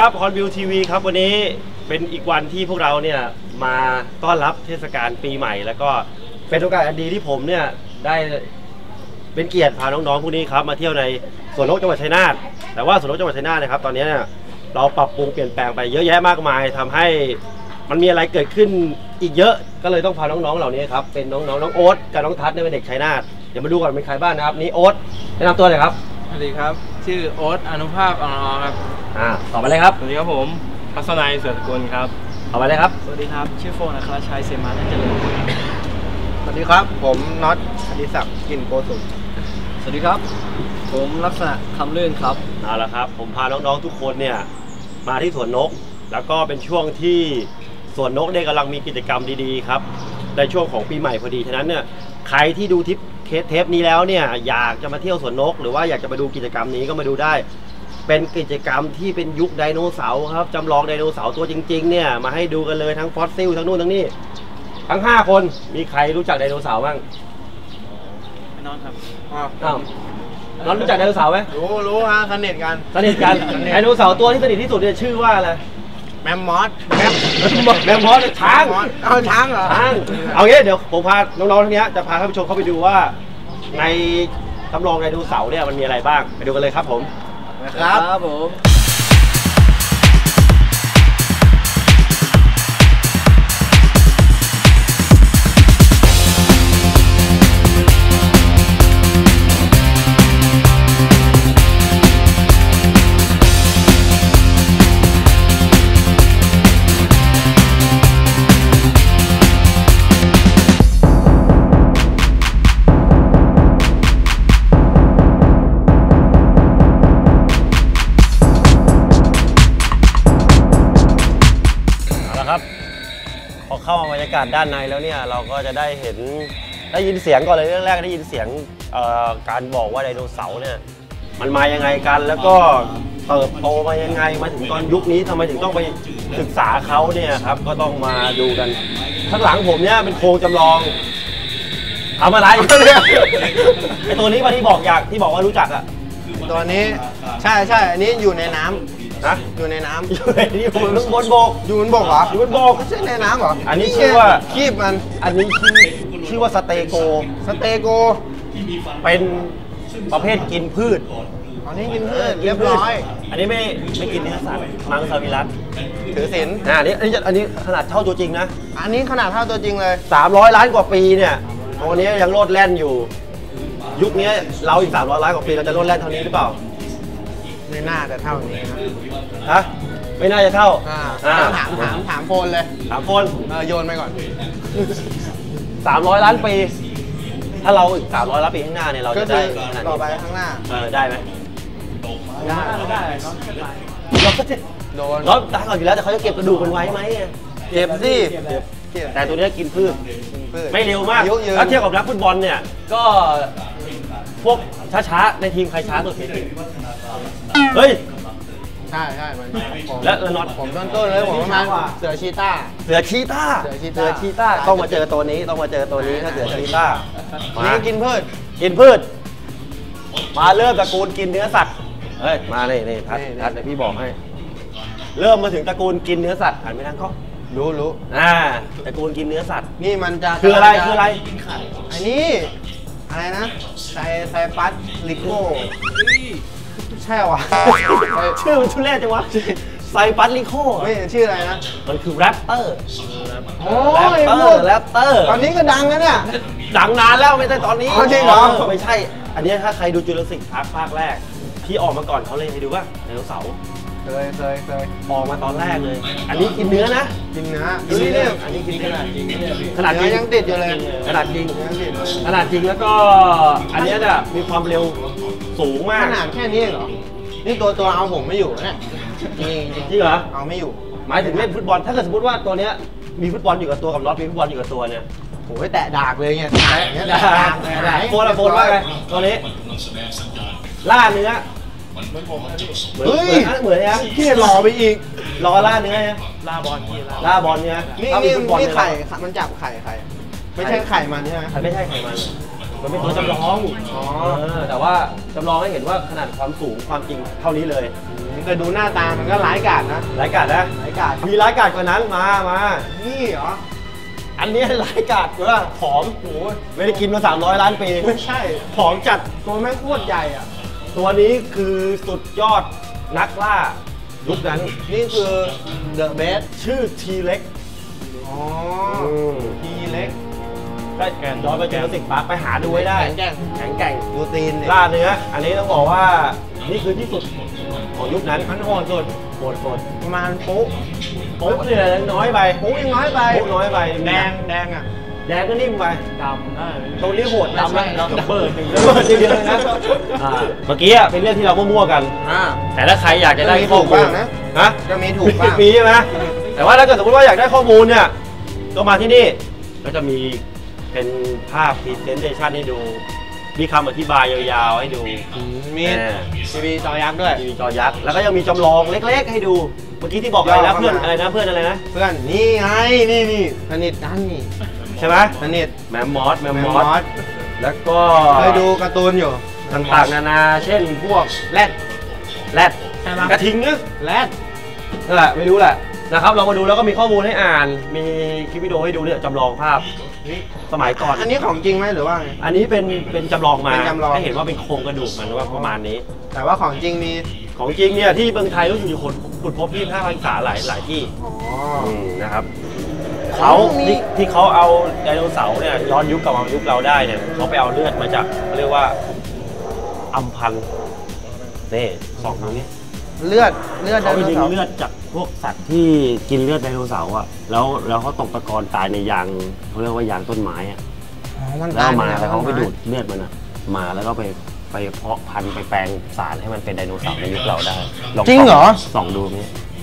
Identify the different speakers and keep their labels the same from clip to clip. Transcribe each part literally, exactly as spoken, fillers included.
Speaker 1: ครับฮอนวิวทีวีครับวันนี้เป็นอีกวันที่พวกเราเนี่ยมาต้อนรับเทศกาลปีใหม่แล้วก็เป็นโอกาสอันดีที่ผมเนี่ยได้เป็นเกียรติพาน้องๆพวกนี้ครับมาเที่ยวในสวนนกจังหวัดชัยนาทแต่ว่าสวนนกจังหวัดชัยนาทนะครับตอนนี้เนี่ยเราปรับปรุงเปลี่ยนแปลงไปเยอะแยะมากมายทำให้มันมีอะไรเกิดขึ้นอีกเยอะก็เลยต้องพาน้องๆเหล่านี้ครับเป็นน้องๆน้องโอ๊ตกับน้องทัศน์เนี่ยเป็นเด็กชัยนาทเดี๋ยวมาดูก่อนเป็นใครบ้างนะครับนี่โอ๊ตแนะนำตัวหน่อยครับ
Speaker 2: สวัสดีครับชื่อโอ๊ตอนุภาพอ่อนครับ
Speaker 1: อ่าต่อไปเลยครับ
Speaker 2: สวัสดีครับผมพัศนัยเสือสกุลครับ
Speaker 1: ต่อไปเลยครับ
Speaker 2: สวัสดีครับชื่อโฟนอัครชัยเสมาเจริญ
Speaker 3: สวัสดีครับผมน็อตอดิศักดิ์กลิ่นโกสุม
Speaker 2: สวัสดีครับผมลักษณะคำลื่นครับ
Speaker 1: เอาละครับผมพาน้องๆทุกคนเนี่ยมาที่สวนนกแล้วก็เป็นช่วงที่สวนนกเนี่ยกำลังมีกิจกรรมดีๆครับในช่วงของปีใหม่พอดีฉะนั้นเนี่ยใครที่ดูทิปเทปนี้แล้วเนี่ยอยากจะมาเที่ยวสวนนกหรือว่าอยากจะมาดูกิจกรรมนี้ก็มาดูได้เป็นกิจกรรมที่เป็นยุคไดโนเสาร์ครับจำลองไดโนเสาร์ตัวจริงๆเนี่ยมาให้ดูกันเลยทั้งฟอสซิลทั้งนู่นทั้งนี่ทั้งห้าคนมีใครรู้จักไดโนเสาร์บ้าง
Speaker 2: น้องครับ
Speaker 1: อ้าวน้องรู้จักไดโนเสาร์ไหม
Speaker 3: รู้รู้ฮะสนิทกัน
Speaker 1: สนิทกันไดโนเสาร์ตัวที่สนิทที่สุดเนี่ยชื่อว่าอะไร
Speaker 3: แมมมอส
Speaker 1: แมมแมมมอสช้าง
Speaker 3: เอาช้างเหรอ
Speaker 1: ช้างเอางี้เดี๋ยวผมพาน้องๆทั้งนี้จะพาท่านผู้ชมเข้าไปดูว่าในจำลองไดโนเสาร์เนี่ยมันมีอะไรบ้างไปดูกันเลยครับผม
Speaker 3: ครับผม
Speaker 1: พอเข้ามาบรรยากาศด้านในแล้วเนี่ยเราก็จะได้เห็นได้ยินเสียงก่อนเลยเรื่องแรกได้ยินเสียงการบอกว่าไดโนเสาร์เนี่ยมันมายังไงกันแล้วก็เติบโตมายังไงมาถึงตอนยุคนี้ทำไมถึงต้องไปศึกษาเขาเนี่ยครับก็ต้องมาดูกันข้างหลังผมเนี่ยเป็นโครงจำลองทำอะไรไอตัวนี้มาที่บอกอยากที่บอกว่ารู้จักอะ
Speaker 3: ตัวนี้ใช่ใช่อันนี้อยู่ในน้ำ
Speaker 1: นะ
Speaker 3: อยู่ในน้ำ
Speaker 1: อยู่ในนี้อยู่บนบก
Speaker 3: อยู่บนบกเหรอ
Speaker 1: อยู่บนบก
Speaker 3: ไม่ใช่ในน้ำเหรอ
Speaker 1: อันนี้ชื่อว่า
Speaker 3: คีบมัน
Speaker 1: อันนี้ชื่อชื่อว่าสเตโก
Speaker 3: สเตโก
Speaker 1: เป็นประเภทกินพืช
Speaker 3: อันนี้กินพืชเรียบร้อย
Speaker 1: อันนี้ไม่ไม่กินเนื้อสัตว์มังสวิรัติ
Speaker 3: ถือศีล
Speaker 1: อ่าอันนี้อันนี้อันนี้ขนาดเท่าตัวจริงนะ
Speaker 3: อันนี้ขนาดเท่าตัวจริงเลย
Speaker 1: สามร้อยล้านกว่าปีเนี่ยตัวนี้ยังโลดแล่นอยู่ยุคนี้เราอีกสามร้อยล้านกว่าปีเราจะโลดแล่นเท่านี้หรือเปล่า
Speaker 3: ไม่น่าจะเท่านี้นะ
Speaker 1: ฮะไม่น่าจะเท่า
Speaker 3: อ่าถามถามถามโฟนเลย
Speaker 1: ถามโฟน
Speaker 3: เออโยนไปก่อน
Speaker 1: สามร้อยล้านปีถ้าเราอีกสามร้อยล้านปีข้างหน้าเนี่ยเราจะได้
Speaker 3: ต่อไปข้างหน้า
Speaker 1: เออได้ไหม
Speaker 3: ได้ได้
Speaker 1: เราก็จะโดนเราตายก่อนอยู่แล้วแต่เขาจะเก็บกระดูกมันไว้ไหม
Speaker 3: เก็บสิ
Speaker 1: แต่ตัวนี้กินพืชไม่เร็วมากถ้าเทียบกับนักฟุตบอลเนี่ยก็พวกช้าๆในทีมใครช้าสุดเฮ้ย
Speaker 3: ใช่ใช่
Speaker 1: แล้วน็อต
Speaker 3: ผมต้นต้นเลยผมประมาณเสือชีต้า
Speaker 1: เสือชีต้าเสือชีต้าต้องมาเจอตัวนี้ต้องมาเจอตัวนี้ถ้าเสือชีต้า
Speaker 3: นี่กินพืช
Speaker 1: กินพืชมาเริ่มตระกูลกินเนื้อสัตว์เฮ้ยมาเลยนี่ทัดทัดเดี๋ยวพี่บอกให้เริ่มมาถึงตระกูลกินเนื้อสัตว์หันไปทางเขา
Speaker 3: รู้รู้
Speaker 1: อ่าตระกูลกินเนื้อสัตว์
Speaker 3: นี่มันจะ
Speaker 1: คืออะไรคืออะไร
Speaker 3: อันนี้อะไรนะไซไซปัสลิโก้ใช่วะ
Speaker 1: ชื่อมันทุเรศจังวะไซปัสลิโก้
Speaker 3: ไม่ชื่ออะไรนะ
Speaker 1: มันคือแรปเตอร์
Speaker 3: โอ้
Speaker 1: ยแรปเตอร์แรปเตอร์
Speaker 3: ตอนนี้ก็ดังแล้วเนี่ย
Speaker 1: ดังนานแล้วไม่ใช่ตอนนี้
Speaker 3: จริงเหรอ
Speaker 1: ไม่ใช่อันนี้ถ้าใครดูจูราสสิคพาร์คภาคแรกที่ออกมาก่อนเขาเลยให้ดูว่าไดโนเสาร์
Speaker 3: เคยเคยเคย
Speaker 1: ออกมาตอนแรกเลยอันนี้กินเนื้อนะ
Speaker 3: กินเนื้อ
Speaker 1: ดูนี่เนี่ยอันนี้กินขนาดจริงขนาด
Speaker 3: ยังติดอยู่เลย
Speaker 1: ขนาดจริงขนาดจริงแล้วก็อันนี้เนี่ยมีความเร็วสูงมาก
Speaker 3: ขนาดแค่นี้เหรอนี่ตัวตัวเอาผมไม่อยู่เนี่ย
Speaker 1: จริงจริงเหรอ
Speaker 3: เอาไม่อยู่
Speaker 1: หมายถึงเล่นฟุตบอลถ้าเกิดสมมติว่าตัวเนี้ยมีฟุตบอลอยู่กับตัวกับน็อตมีฟุตบอลอยู่กับตัวเนี่ย
Speaker 3: โอ้ยแตะดากเลยเนี่ย
Speaker 1: แตะดากโฟนอะโฟนว่าไงตัวนี้ล่าเนื้อ
Speaker 3: เหมือนผมเลยพี่
Speaker 1: เฮ้ยเหมือนยัง
Speaker 3: พี่รอไปอีก
Speaker 1: รอล่าเนื้อเนี่ย
Speaker 2: ล่าบอลพี่
Speaker 1: ล่าบอลเนี่ย
Speaker 3: นี่นี่นี่ไข่มันจับไข่ไข่ไม่ใช่ไข่มันใช่ไหม
Speaker 1: ไม่ใช่ไข่มันมันเป็นตัวจำลองอ๋อแต่ว่าจำลองให้เห็นว่าขนาดความสูงความจริงเท่านี้เลย
Speaker 3: ผมเคยดูหน้าตามันก็ร้ายกาจนะ
Speaker 1: ร้ายกาจนะ
Speaker 3: ร้ายกาจ
Speaker 1: มีร้ายกาจกว่านั้นมามา
Speaker 3: นี่เหรอ
Speaker 1: อันนี้ร้ายกาจกว่าผอมโอ้ยไม่ได้กินมาสามร้อยล้านปี
Speaker 3: ไม่ใช่
Speaker 1: ผอมจัด
Speaker 3: ตัวแม่งโคตรใหญ่อ่ะ
Speaker 1: ตัวนี้คือสุดยอดนักล่ายุคนั้น
Speaker 3: นี่คือเดอะเบส
Speaker 1: ชื่อทีเล็ก
Speaker 3: อ๋อทีเล็ก
Speaker 1: ได้ย้อนไปเจอสิกปาร์คไปหาดูไว้ได้
Speaker 3: แข็งแกร่ง
Speaker 1: แข็งแกร่ง
Speaker 3: ดูตีนเนี่ย
Speaker 1: ล่าเนื้อ อันนี้ต้องบอกว่านี่คือที่สุดของยุคนั้น
Speaker 3: มันโหดสุด
Speaker 1: โหดโหด
Speaker 3: ประมาณปุ๊
Speaker 1: โป๊ะเนี่ยน้อยไป
Speaker 3: ปุ๊ยังน้อยไป
Speaker 1: โป๊ะน้อยไป
Speaker 3: แดงแดงอ่ะ
Speaker 1: แดงก็นิ่มไป
Speaker 2: ดำได้
Speaker 1: ตรงนี้โหดดำ
Speaker 3: ไม่
Speaker 1: แล้ว
Speaker 3: ใช่
Speaker 1: ดับเบิลหนึ่งดับเบิลทีเดียวเลยนะอ่าเมื่อกี้อะเป็นเรื่องที่เรามั่วๆกัน
Speaker 3: อ่า
Speaker 1: แต่ถ้าใครอยากจะได้
Speaker 3: มี
Speaker 1: ข้อ
Speaker 3: ถูก
Speaker 1: มูล
Speaker 3: บ้างนะ
Speaker 1: ฮะ
Speaker 3: ก็มีถูกบ้าง
Speaker 1: มีใช่ไหมแต่ว่าถ้าเกิดสมมติว่าอยากได้ข้อมูลเนี่ยก็มาที่นี่ก็จะมีเป็นภาพ presentation ให้ดู มีคำอธิบายยาวๆให้ดู
Speaker 3: มี
Speaker 1: แน่
Speaker 3: ทีวีจอยักษ์ด้วย
Speaker 1: มีจอยักษ์แล้วก็ยังมีจำลองเล็กๆให้ดู เมื่อกี้ที่บอกอะไรนะเพื่อนอะไรนะเพื่อนอะไรนะ
Speaker 3: เพื่อนนี่ไงนี่นี่สนิทกันนี่
Speaker 1: ใช่ไหม
Speaker 3: สนิท
Speaker 1: แมมมอสแมม
Speaker 3: แม
Speaker 1: ม
Speaker 3: ม
Speaker 1: อ
Speaker 3: มอ
Speaker 1: ส
Speaker 3: ส
Speaker 1: แล้วก็
Speaker 3: เคยดูการ์ตูนอยู่
Speaker 1: ต่างๆนานาเช่นพวก
Speaker 3: แรด
Speaker 1: แรด
Speaker 3: ใช่ปะ
Speaker 1: กระทิงนะ
Speaker 3: แรด
Speaker 1: นั่นแหละไม่รู้แหละนะครับเรามาดูแล้วก็มีข้อมูลให้อ่าน มีคลิปวิดีโอให้ดูเนี่ยจำลองภาพสมัยก่อน
Speaker 3: อันนี้ของจริงไหมหรือว่าไง
Speaker 1: อันนี้เป็นเป็นจำลองมา
Speaker 3: เป็นจำลอง
Speaker 1: ให้เห็นว่าเป็นโครงกระดูกมันว่าประมาณนี้
Speaker 3: แต่ว่าของจริงมี
Speaker 1: ของจริงเนี่ยที่เมืองไทยรู้สึกอยู่คนขุดพบที่ห้าพันษาหลายหลายที่
Speaker 3: อ๋อ
Speaker 1: อืมนะครับเขา
Speaker 3: มี
Speaker 1: ที่ที่เขาเอาไดโนเสาร์เนี่ยย้อนยุคกลับมายุคเราได้เนี่ยเขาไปเอาเลือดมาจากเขาเรียกว่าอัมพันธ์นี่สองตรงนี้
Speaker 3: เลือดเลือดได
Speaker 1: เขาไป
Speaker 3: โน
Speaker 1: ดึง
Speaker 3: เสาร์
Speaker 1: เลือดจากพวกสัตว์ที่กินเลือดไดโนเสาร์อ่ะแล้วแล้วเขาตกตะกอนตายในยางเขาเรียกว่ายางต้นไม้อ่ะ
Speaker 3: อ๋อมัน
Speaker 1: แล้ว
Speaker 3: ตาย
Speaker 1: เอามา
Speaker 3: ใน
Speaker 1: แล้วเขาไป
Speaker 3: ต้นม้
Speaker 1: ดูดเลือดมันอ่ะมาแล้วก็ไปไปเพาะพันธุ์ไปแปลงสารให้มันเป็นไดโนเสาร์ในยุคเราได้ล
Speaker 3: จริงเหรอ
Speaker 1: ส่องดูนี่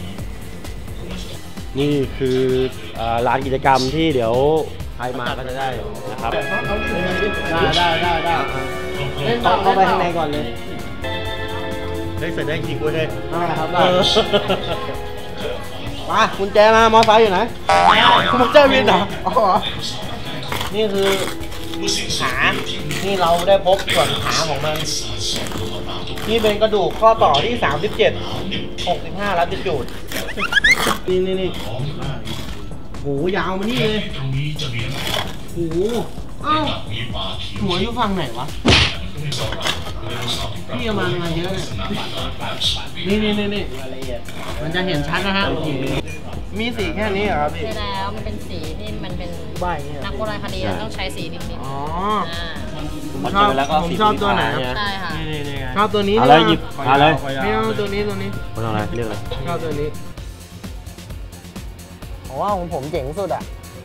Speaker 1: นี่คือร้านกิจกรรมที่เดี๋ยวใครมาก็จะได้นะครับ
Speaker 3: ได้ได้ได้ได้เล่นต่อเข้าไปข้างในก่อนเลย
Speaker 1: ได้เสร็จได้จริงด้วยเลย
Speaker 3: ได้ครับได้มากุญแจมามอไซค์อยู่ไหนคุณเจ้าวินเหรออ๋อนี่คือขานี่เราได้พบส่วนขาของมันนี่เป็นกระดูกข้อต่อที่สามสิบเจ็ด หกสิบห้าลัติจูดนี่นี่นี่โหยาวมานี่เลยโหอ้าวหัวอยู่ฝั่งไหนวะพี่เอามามาเยอะเนี่ยนี่นี่นี่นี่มันจะเห็นชัดนะฮะมีสีแค่นี้เหรอครับพี่
Speaker 4: ใช่แล้วมันเป็นสีที่มันเป็น
Speaker 3: ใบเนี่ย
Speaker 4: นักโบราณคดีต้องใช้สีนิดๆ
Speaker 3: อ๋อ
Speaker 4: อ่า
Speaker 3: ผมชอบผมชอบตัวไหนครับ
Speaker 4: ใช่ค่ะ
Speaker 3: นี่นี่ชอบตัวนี้
Speaker 1: เอาเลยหยิบเอาเลย
Speaker 3: ไม่เอาตัวนี้ตัวนี้
Speaker 1: ไม่ต้องอะไรเรียกอะไร
Speaker 3: ชอบตัวนี้ผมว่าของผมเจ๋งสุดอ่ะ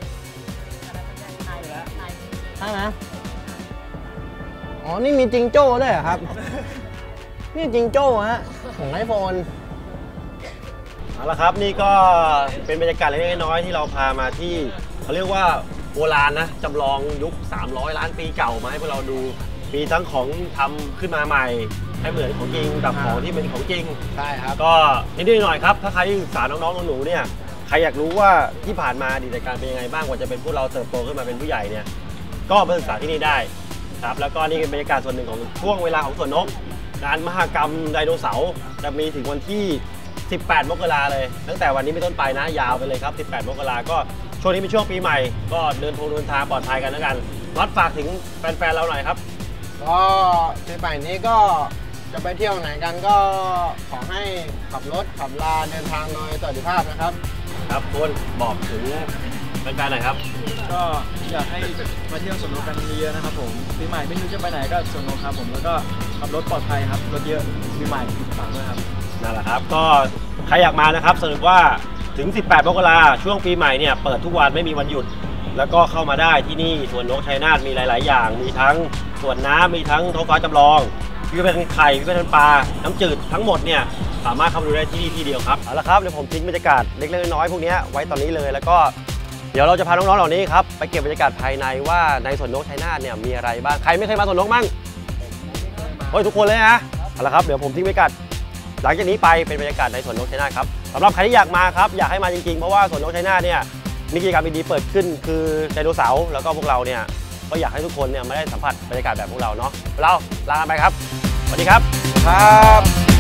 Speaker 3: ใช่ไหมอ๋อ นี่มีจิงโจ้ด้วยเหรอครับ นี่จิงโจ้ฮะ ของไอโฟน
Speaker 1: เอาละครับนี่ก็เป็นบรรยากาศเล็กๆน้อยๆที่เราพามาที่เขาเรียกว่าโบราณนะจำลองยุคสามร้อยล้านปีเก่ามาให้พวกเราดูมีทั้งของทำขึ้นมาใหม่ให้เหมือนของจริงกับของที่เป็นของจริง
Speaker 3: ใช่ครับ
Speaker 1: ก็นิดๆหน่อยๆครับถ้าใครที่ศึกษาน้องๆหนูๆเนี่ยใครอยากรู้ว่าที่ผ่านมาอดีตการเป็นยังไงบ้างกว่าจะเป็นพวกเราเติบโตขึ้นมาเป็นผู้ใหญ่เนี่ยก็มาศึกษาที่นี่ได้ครับแล้วก็นี่เป็นบรรยากาศส่วนหนึ่งของช่วงเวลาของสวนนกงานมหกรรมไดโนเสาร์จะมีถึงวันที่สิบแปดมกราเลยตั้งแต่วันนี้เป็นต้นไปนะยาวไปเลยครับสิบแปดมกราก็ช่วงนี้เป็นช่วงปีใหม่ก็เดินทงเดินทางปลอดภัยกันแล้วกันน็อตฝากถึงแฟนๆเราหน่อยครับ
Speaker 3: ก็ปีใหม่นี้ก็จะไปเที่ยวไหนกันก็ขอให้ขับรถขับลาเดินทางโดยสวัสดิภาพนะครับ
Speaker 1: ครับคุณบอกถึงแฟนๆหน่อยครับ
Speaker 2: ก็อยากให้มาเที่ยวสวนนกกันเยอะๆนะครับผมปีใหม่ไม่รู้จะไปไหนก็สวนนกครับผมแล้วก็ขับรถปลอดภัยครับรถเยอะปีใหม่ฝากด้วยครับ
Speaker 1: นั่นแหละครับก็ใครอยากมานะครับสรุปว่าถึงสิบแปดมกราช่วงปีใหม่เนี่ยเปิดทุกวันไม่มีวันหยุด แล้วก็เข้ามาได้ที่นี่สวนนกชัยนาทมีหลาย ๆ อย่าง มีทั้งสวนน้ำมีทั้งท้องฟ้าจำลองพิพิธภัณฑ์ไข่พิพิธภัณฑ์ปลาน้ำจืดทั้งหมดเนี่ยสามารถเข้ามาดูได้ที่นี่ที่เดียวครับเอาละครับเดี๋ยวผมทิ้งบรรยากาศเล็ก ๆ น้อย ๆ พวกนี้ไว้ตอนนี้เลยแล้วก็เดี๋ยวเราจะพาน้อง ๆ เหล่านี้ครับไปเก็บบรรยากาศภายในว่าในสวนนกชัยนาทเนี่ยมีอะไรบ้างใครไม่เคยมาสวนนกมั่งเฮ้ยทุกคนเลยนะเอาละครับเดี๋ยวผมทิ้งบรรยากาศหลังจากนี้ไปเป็นบรรยากาศในสวนนกชัยนาทครับสำหรับใครที่อยากมาครับอยากให้มาจริงๆเพราะว่าสวนนกชัยนาทเนี่ยมีกิจกรรมดีๆเปิดขึ้นคือไดโนเสาร์แล้วก็พวกเราเนี่ยก็อยากให้ทุกคนเนี่ยมาได้สัมผัสบรรยากาศแบบพวกเราเนาะเราลากันไปครับสวัสดีครับ
Speaker 3: ครับ